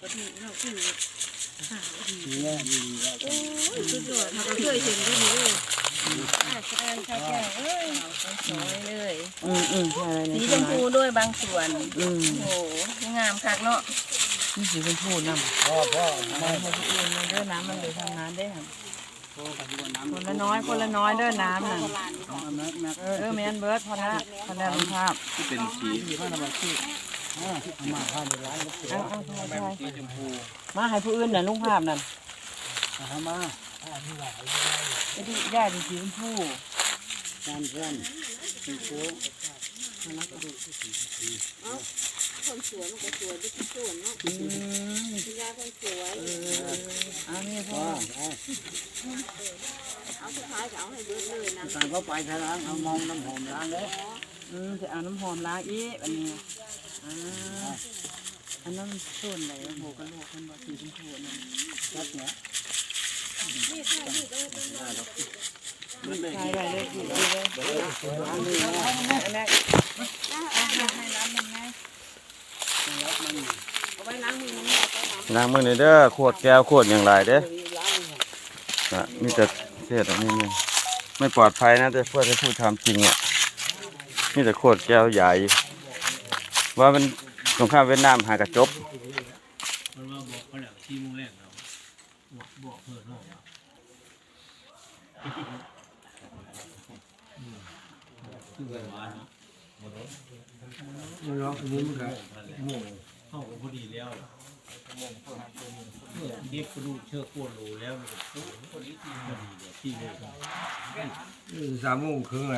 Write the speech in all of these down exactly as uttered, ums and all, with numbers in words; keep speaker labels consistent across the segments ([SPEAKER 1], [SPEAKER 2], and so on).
[SPEAKER 1] ก็มีเราคือขาว
[SPEAKER 2] เนี่ยดีแล้ว
[SPEAKER 1] โอ้ยสุดยอดเราก็เคยเห็นได้เลยอ่าแสดงค่ะแก้วเอ้ยสวยเลย
[SPEAKER 3] อืมอืมใช่เลย
[SPEAKER 1] สี
[SPEAKER 3] นี่
[SPEAKER 1] ชมพูด้วยบางส่วน
[SPEAKER 3] อืม
[SPEAKER 1] โอ้โหงามคักเนาะ
[SPEAKER 3] นี่สีชมพูน้ำ
[SPEAKER 2] พ่อพ่อ
[SPEAKER 3] ไม่ให้ผู้อื่นมันเด้อน้ำมันเลยทำงานได้ค่ะ
[SPEAKER 2] พ่อกับตัวน้ำ
[SPEAKER 3] คนละน้อยคนละน้อยเด้อน้ำน่ะ
[SPEAKER 2] เอาแม็กแม็ก
[SPEAKER 3] เออเออแมนเบิร์ดพอละพอละลงภาพ
[SPEAKER 2] ที่เป็นสีที่ผ้าธรรมชาติอ่ามาผ้าในร้านก็สวย
[SPEAKER 3] เอาเอาใช่
[SPEAKER 2] แม่
[SPEAKER 3] ใช่
[SPEAKER 2] สีชมพู
[SPEAKER 3] มาให้ผู้อื่นน่ะลุงภาพนั่น
[SPEAKER 2] ทำมา
[SPEAKER 3] ไอ้ที่ย่าดีสีชมพู
[SPEAKER 2] จานเพื่อนสีโค้ง
[SPEAKER 1] คนสวยมันก็สวยด้วยทุกส่วนเนาะ
[SPEAKER 3] อืม
[SPEAKER 1] คุณยายคนสวย
[SPEAKER 3] อันนี้พ่อ
[SPEAKER 2] พ่อ
[SPEAKER 1] เอาสุดท้ายก็เอาให้เบิร์ดเลยนะ
[SPEAKER 2] สั่งเขาไปทางร้านเอามองน้ำหอมร้านเลย
[SPEAKER 3] อืมจะเอาน้ำหอมล้างอีกอันนี้อ่าอันนั้นส่วนไหนโหกระโหลกมันบอกสีชมพูนั่น
[SPEAKER 2] รัดเนี้ย
[SPEAKER 3] ใช่ได้เลยดีเลยอันนี้อันนี้ให้น้ำมันไงเอาไว้ล้างมือนี่
[SPEAKER 4] ล้างมือหน่อยเด้อขวดแก้วขวดอย่างไรเด้ออ่ะมีแต่เศษอันนี้นี่ไม่ปลอดภัยนะแต่เพื่อจะพูดทำจริงอ่ะมีแต่ขวดแก้วใหญ่ว่ามันสงครามเวียดนามหากระจบ
[SPEAKER 5] มันมาบอกเขาแหละที่มุ่งแรกเราบอกบอกเพื่อนน้องคือกันว่าเนาะ
[SPEAKER 2] มันร้องนี้มันก็
[SPEAKER 5] โม่เข้ากันพอดีแล้วเก็บกระดูกเชือกโคนรูแล้วมันก็พอดีที่พอดีเลยที่เลย
[SPEAKER 2] สามโมงครึ่งเลย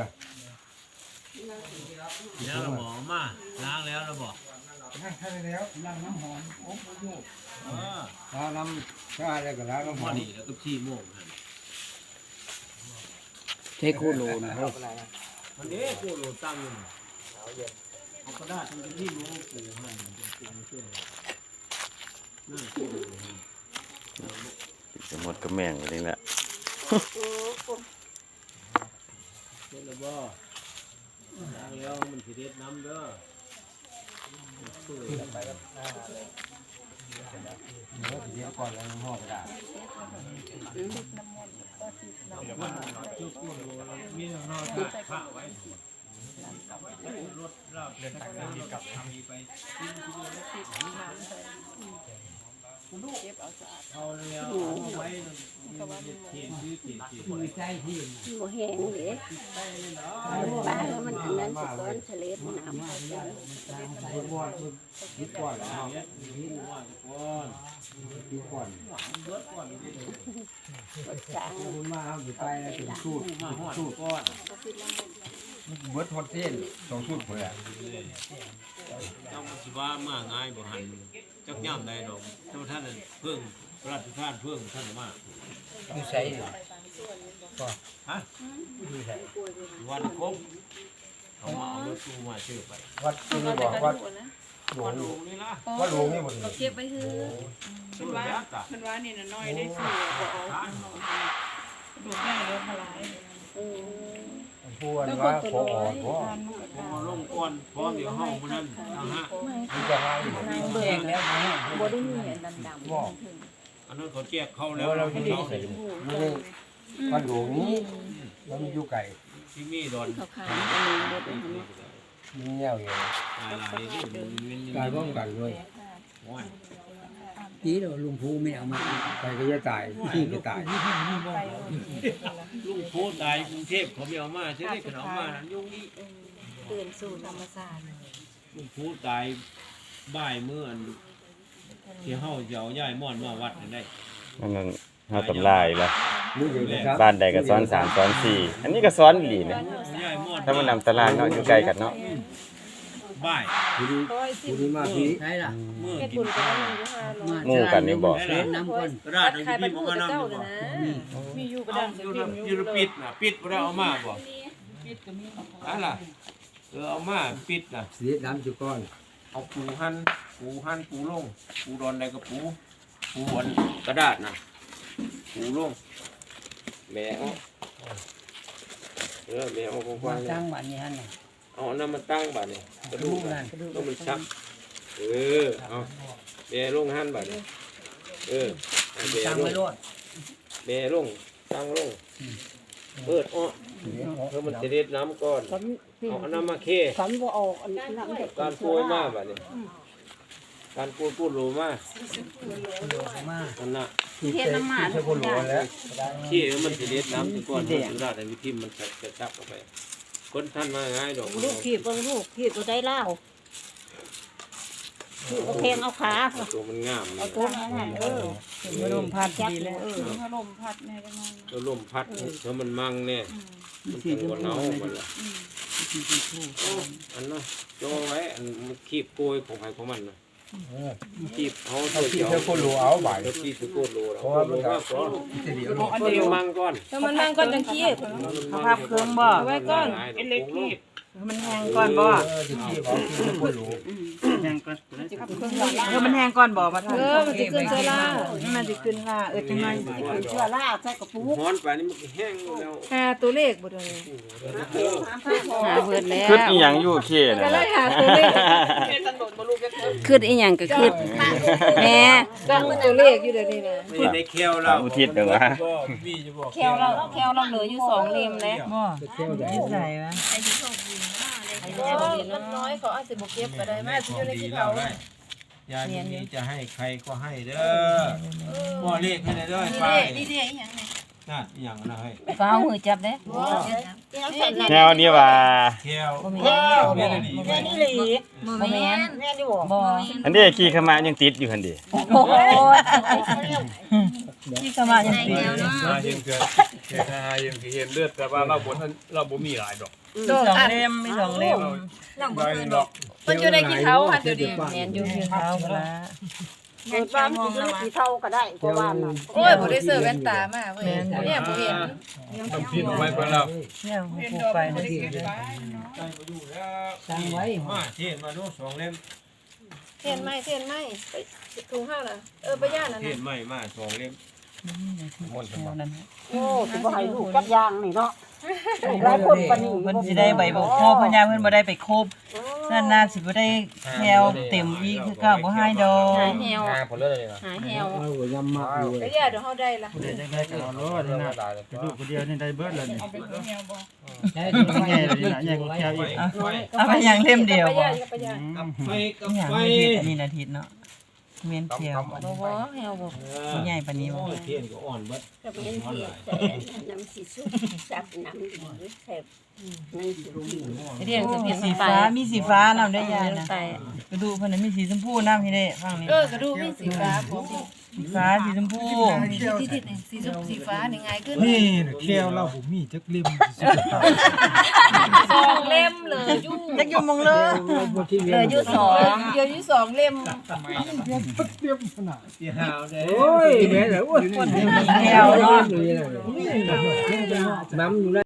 [SPEAKER 5] แล้วเราบอกมาล้างแล้วเราบอก
[SPEAKER 2] ให้ให้แล้วล้างน้ำหอมโอ้โห
[SPEAKER 5] เออ
[SPEAKER 2] ล้างน้ำชาอะไรก็ล้างน้ำห
[SPEAKER 5] พ
[SPEAKER 2] อ
[SPEAKER 5] อ
[SPEAKER 2] ม
[SPEAKER 5] ดีแล้วก็ที่โม่กัน
[SPEAKER 3] เทคูโลนะครับ
[SPEAKER 5] มันเด้โคนรูตั้งอยู่เอากระดาษมันที่โม่ปูให้มันเป็นปูเชื่อนั่นคือ
[SPEAKER 4] จะหมดกระแมงอะไรแหละ
[SPEAKER 5] เจ้าละบ่ล้างแล้วมันสิเด็ดน้ำเด้อ
[SPEAKER 2] เดี๋ยวก่อนแล้วน้ำหอมกระดาษ
[SPEAKER 5] จุดกู้มีนอกจากผ้าไว้รถเราเดินทางไปกับทางนี้ไปเอาแล้วเอาไว้เขียนชื่อเขียนชื่อ
[SPEAKER 2] มือใจที่
[SPEAKER 1] หัวแห้งเลยป้าแล้วมันอันนั้นสก้อนเฉลดน้ำ
[SPEAKER 2] บนบอดยึดก่อนแล้ว
[SPEAKER 5] เนี่ยนี่ว่าก่อน
[SPEAKER 2] ยึดก่อน
[SPEAKER 5] รถก่อน
[SPEAKER 1] จาง
[SPEAKER 2] คุณมาเอาอยู่ไปเป็นสูตร
[SPEAKER 5] มาหอดก่อน
[SPEAKER 2] เบิร์ดฮอตเส้นสองสูตรเพื่อ
[SPEAKER 5] ต้องสิว่ามาง่ายบ่หันจักย่ำได้ดอกท่านท่านเพิ่งพระราชทานเพิ่งท่านมา
[SPEAKER 2] ดูใช้ก็
[SPEAKER 5] ฮะ
[SPEAKER 2] ดูใช้
[SPEAKER 5] วันครบเอามาเอารถตู้มาชื่อไป
[SPEAKER 2] วัดที่บอกวัดหลวง
[SPEAKER 5] หลวงนี่ละ
[SPEAKER 2] วัดหลวงนี่หมดเลย
[SPEAKER 1] เก็บไปคือ
[SPEAKER 5] ชื่อแล้วจ้ะ
[SPEAKER 3] มันว่านี่น้อยได้สี่บอกเอาดูแม่เลี้ยงพลาย
[SPEAKER 2] พูดว่าพออ่อนพอ
[SPEAKER 5] พอลงก่อนพร้อมเดี๋ยวห้องคนนั้นนะฮะ
[SPEAKER 2] มันจะให้
[SPEAKER 3] เบิ่งแล้วนะ
[SPEAKER 1] บ่ได้มีอันดำ
[SPEAKER 2] บอก
[SPEAKER 5] อันนั้นเขาแจกเข้าแล้
[SPEAKER 2] แล้ว วเราที่นี่ใส่ไม่ได้วัดหลวงนี้แล้วมีอยู่ไก่
[SPEAKER 5] ที่มีดอน
[SPEAKER 1] ๆขาวๆอันนี้บ่ได้เนาะ
[SPEAKER 2] มีเงี้ยวอยู่
[SPEAKER 5] หลายหลายที่มันมัน
[SPEAKER 2] การป้องกันด้วย
[SPEAKER 5] ว้าย
[SPEAKER 2] นี่เราลุงพูไม่เอามาไปก็จะตายที่ก็ตาย
[SPEAKER 5] ลุงโพตายกรุงเทพเขาไม่เอามาใช่ไหมเขาเอามานั้นยุ่งนี่
[SPEAKER 1] ตื่นสู่ธรรมชาติ
[SPEAKER 5] ลุงโพตายบ่ายเมื่ออันที่เฮาจะเอาย้ายม่อนมาวัดนั่นได้
[SPEAKER 4] นั่นนั่นห้าตำลายละ
[SPEAKER 2] รู้อยู่นะครับ
[SPEAKER 4] บ้านใดก็ซ้อนสามซ้อนสี่อันนี้ก็ซ้อนอีหลีนะ
[SPEAKER 5] ย้ายม่อน
[SPEAKER 4] ถ้ามันนำตารางเนาะอยู่ไกลกันเนาะ
[SPEAKER 5] บ่าย
[SPEAKER 2] ผู้นี้ผู้นี้มาพี่
[SPEAKER 6] ใช่ล่ะ
[SPEAKER 5] เมื่อ
[SPEAKER 1] เฮ็ด
[SPEAKER 5] กิ
[SPEAKER 1] บุ
[SPEAKER 5] น
[SPEAKER 1] ญก็ได้อยู่ห้าร้อย
[SPEAKER 4] หมู่กันนี่บอก
[SPEAKER 5] ได้
[SPEAKER 6] เล่
[SPEAKER 5] ละ
[SPEAKER 6] นน้ำก่อน
[SPEAKER 5] กระดาษ
[SPEAKER 1] ใคร
[SPEAKER 5] ที่
[SPEAKER 1] เป็
[SPEAKER 5] พี่
[SPEAKER 1] น
[SPEAKER 5] ผม
[SPEAKER 1] ผู้
[SPEAKER 5] ก็
[SPEAKER 1] กับ
[SPEAKER 5] นำ
[SPEAKER 1] เจ้า
[SPEAKER 5] อยู่
[SPEAKER 1] เลย
[SPEAKER 5] บ่
[SPEAKER 1] นะ
[SPEAKER 3] มีอยู่กระ
[SPEAKER 5] เอา
[SPEAKER 3] ดัง
[SPEAKER 5] อยู่ระอยู่ระปิดน่ะปิดบ่ได้เอามาบ่นั่นล่ะเออเอามาปิดน่ะ
[SPEAKER 2] เสียน้ำจุก้อน
[SPEAKER 5] เอาปูหั่นปูหั่นปูลงปูดอนใดก็ปูปูอันกระดาษน่ะปูลงแม่เอาเออแม่เอากว้างๆ
[SPEAKER 6] จ้างบ้านนี้ฮะเนี่ย
[SPEAKER 5] เอาอันนั้นมาตั้งบาดนี่กระดูก
[SPEAKER 6] นั่
[SPEAKER 5] น่ะ
[SPEAKER 6] น
[SPEAKER 5] ต้องมันชักเออเอาแม่ลงหันบัดนี้เออให้แม่
[SPEAKER 2] ตั้ง
[SPEAKER 5] ล
[SPEAKER 2] ไว้
[SPEAKER 5] ง
[SPEAKER 2] รอด
[SPEAKER 5] แม่ลงตั้งลงเปิดอ้อเพื่อมันจะเด็ดน้ำก่อนเอาอันน้ำมาเค
[SPEAKER 1] ฉันบ่ออกอันนั้นมันจะ
[SPEAKER 5] การปูมาบัดนี้การปูปูรูมา
[SPEAKER 2] มา
[SPEAKER 5] อันน่ะ
[SPEAKER 2] ที่เทน้ำมันที่คนหลวงแล้ว
[SPEAKER 5] ขี้มันจะเด็ดน้ำก่อนมันสุดาแต่วิธีมันจะจะจับออกไปคนท่านมาง่ายดอก
[SPEAKER 1] ลูกขีบเบิ่งลูกขีบบ่ได้เล่าขีบเอาเพลงเอาขา
[SPEAKER 5] ตัวมันงาม
[SPEAKER 1] เอาตัวนั้นเออ
[SPEAKER 3] มาลมพัด
[SPEAKER 1] จับ
[SPEAKER 3] ดีแล้ว
[SPEAKER 1] เออ
[SPEAKER 3] มาลมพัดแม่ได้มั้ง
[SPEAKER 5] ตัวลมพัดถ้ามันมั่งเนี่ยมันเป็นหัวเน่ามันละอันน่ะโจไว้อันมันคีบโกยของใครของมันนะคีบเอา
[SPEAKER 2] เอา
[SPEAKER 5] ตัว
[SPEAKER 2] ที่
[SPEAKER 5] เดียว
[SPEAKER 2] เธอคนหลวงเอาใบ
[SPEAKER 5] ตัวคีบตัวโกดโลแล้ว
[SPEAKER 2] เพราะว่า
[SPEAKER 5] โล
[SPEAKER 2] มัน
[SPEAKER 5] มากก่อน
[SPEAKER 2] จะเดียว
[SPEAKER 3] อัน
[SPEAKER 5] ตัว
[SPEAKER 3] เดียว
[SPEAKER 5] มั่งก่อน
[SPEAKER 1] ถ้ามันนั่งก่อนจังขี้
[SPEAKER 3] เอาภาพเครื่องบ่
[SPEAKER 1] เอาไว้ก่อน
[SPEAKER 5] เป็นเล็กคีบ
[SPEAKER 3] มันแห้งก่อนบ่
[SPEAKER 2] จะขี้เอาที่เธอคนหลวง
[SPEAKER 3] แห้งก่อนเออมันแห้งก่อนบ่มาทำ
[SPEAKER 1] เออมันจะขึ้นเชื้อรา
[SPEAKER 3] มันจะขึ้นล่าเออจังไง
[SPEAKER 1] ขึ้นเชื้อราใส่กระปุก
[SPEAKER 5] ฮ้อนไปนี่มันแห้งแล้ว
[SPEAKER 1] หาตัวเลขบ่ได้
[SPEAKER 5] เออ
[SPEAKER 1] หาเบิดแล้ว
[SPEAKER 4] คิดอีหยังอยู่เคน่ะ
[SPEAKER 1] ก็เลยหาตัวเลข
[SPEAKER 6] คืดอีหยังก็คืดแม่
[SPEAKER 1] ตั้งตัวเลขอยู่เดี๋ยวนี้นะ
[SPEAKER 5] ไม่ได้เคี้ยวแล้ว
[SPEAKER 4] อุทิศเด้อวะ
[SPEAKER 6] แควเราแควเราเหลืออยู่สองเล่มแล้ว
[SPEAKER 3] บ่นิสัยวะ
[SPEAKER 1] มันน้อยเขาอาจจะบ่เก็บก็ได้มาสิอยู่ในที่เขา
[SPEAKER 5] ยายนี้จะให้ใครก็ให้เด้อพ่อเรียกให้เด้อไป
[SPEAKER 1] นี่เด้อีหยังนี่
[SPEAKER 5] นั่นอย่างนะเฮ้ย
[SPEAKER 6] ก็เอามือจับเด้
[SPEAKER 4] แนวนี้ว่า
[SPEAKER 5] เคี้ยว
[SPEAKER 6] บ่แม่
[SPEAKER 5] เคี้ยว
[SPEAKER 6] น
[SPEAKER 5] แม่ดี
[SPEAKER 1] แม่นี่หลี
[SPEAKER 6] บ่แม่น
[SPEAKER 1] แม่นี่บ่
[SPEAKER 6] บ่
[SPEAKER 4] อันนี้ขี้ขมายังติดอยู่หั่นดิ
[SPEAKER 6] โอ้โห
[SPEAKER 3] ที่สมาอย่างนี้
[SPEAKER 7] มาเห็นเกิดเกิดหาเห็นเห็นเลือดแต่ว่าเราบ่ทันเราบ่มีหลายดอก
[SPEAKER 3] สองเล่มมีสองเล่ม
[SPEAKER 7] ใบหนึ่งดอก
[SPEAKER 1] มันอยู่ในกี่เท้าค่ะเดี๋ยวนี้
[SPEAKER 3] แม่นอยู่ที่เท้าพุ่นละ
[SPEAKER 1] เกิดบ้านมันอยู่ในกี่เท้าก็ได้กว่าบ้านน่ะโอ้ยบ่ได้เสื้อแว่นตามาเว้ยเนี่ยบ่เห็น
[SPEAKER 7] ต้องพิมพ์ไว้เพิ่นแล้ว
[SPEAKER 3] เนี่ยผู้ไปนะสิ
[SPEAKER 2] ตั้งไว้
[SPEAKER 5] มาเทียนมาดูสองเล่ม
[SPEAKER 1] เทียนไหมเทียนไหมไปถุงห้าน่ะเออไปย่านน่ะ
[SPEAKER 5] เทียนใหม่มาสองเล่ม
[SPEAKER 1] โอ้สิบ่ให้ลูกจักอย่างนี่เนาะหลายคนปานนี้
[SPEAKER 3] เพิ่นสิได้ใบบ่พอพญาเพิ่นบ่ได้ไปครบนั่นน่าสิบ่ได้แถวเต็มอีกคือเก่าบ่ให้ดอก
[SPEAKER 6] หาแฮว
[SPEAKER 5] ผลเลยนะ
[SPEAKER 6] หาแฮว
[SPEAKER 2] เอาหัวยำมากอยู่
[SPEAKER 1] ก็ย่าเดี๋ยวเฮาได้ล่ะ
[SPEAKER 7] ได้ก็เอาโลดนี่นะลูกคนเดียวนี่ได้เบิดแล้วนี่
[SPEAKER 2] ใช่
[SPEAKER 7] ใหญ่เลยนะใหญ่กว่าแค่อีก
[SPEAKER 3] เอาไปอย่างเล่มเดียว
[SPEAKER 1] ไป
[SPEAKER 3] บ่
[SPEAKER 1] ย่าก็ไปย่า
[SPEAKER 5] กับไฟกับ
[SPEAKER 3] อย่าง
[SPEAKER 5] ไฟ
[SPEAKER 3] อาทิตย์อันนี้อาทิตย์เนาะเมียนเขียว
[SPEAKER 6] บ่บ่แฮวบ่
[SPEAKER 3] บ่ใหญ่ปานนี้บ่
[SPEAKER 5] เทียนก็อ่อนเบิด
[SPEAKER 1] ก็เป็นเทียนแต่น้ำสิสุกซับน้ำดีแซ่บนั่นสิ
[SPEAKER 6] เรียงคือเปลี่ยน
[SPEAKER 3] สี
[SPEAKER 6] ไป
[SPEAKER 3] ฟ้ามีสีฟ้านำได้ยานะ
[SPEAKER 6] ไป
[SPEAKER 3] กระดูกเพิ่นนะมีสีชมพูนำให้ได้ฟังนี่
[SPEAKER 1] เออกระดูกมีสีฟ้าของ
[SPEAKER 3] สีฟ้าสีชมพู
[SPEAKER 1] ที่ที่สีสุกสีฟ้านี่ไงขึ้น
[SPEAKER 7] นี่แก้วเราบ่มีจักเล่มสุดท้าย
[SPEAKER 1] สองเล่มเลยอยู่
[SPEAKER 3] จักอยู่มองเลย
[SPEAKER 6] เหลืออยู่สอง
[SPEAKER 1] เดี๋ยวอยู่สองเล่ม
[SPEAKER 5] สีหาวเด้
[SPEAKER 2] โอ้ยแม่เหรอโอ้ย
[SPEAKER 3] แถวเนาะ
[SPEAKER 2] น้ำอยู่